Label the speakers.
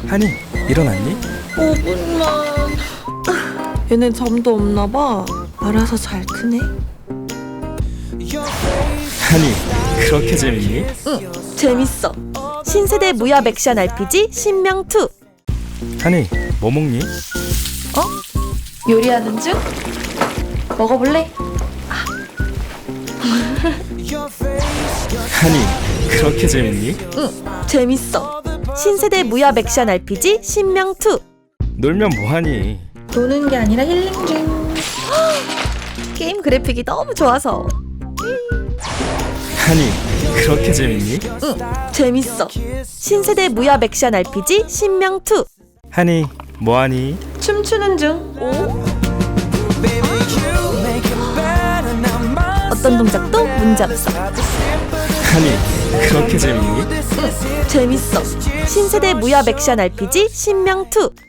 Speaker 1: 하니, 일어났니?
Speaker 2: 5분만. 얘네 잠도 없나봐. 알아서 잘 크네.
Speaker 1: 하니, 그렇게 재밌니?
Speaker 2: 응, 재밌어. 신세대 무협 액션 RPG 신명2.
Speaker 1: 하니, 뭐 먹니?
Speaker 2: 요리하는 중? 먹어볼래?
Speaker 1: 하니, 그렇게 재밌니?
Speaker 2: 응, 재밌어. 신세대 무협 액션 RPG 신명2.
Speaker 1: 놀면 뭐하니?
Speaker 2: 노는 게 아니라 힐링 중. 게임 그래픽이 너무 좋아서.
Speaker 1: 하니, 그렇게 재밌니?
Speaker 2: 응, 재밌어. 신세대 무협 액션 RPG 신명2.
Speaker 1: 하니, 뭐하니?
Speaker 2: 춤추는 중. 어떤 동작도 문제없어.
Speaker 1: 하니, 그렇게 재밌니?
Speaker 2: 응, 재밌어. 신세대 무협 액션 RPG 신명2.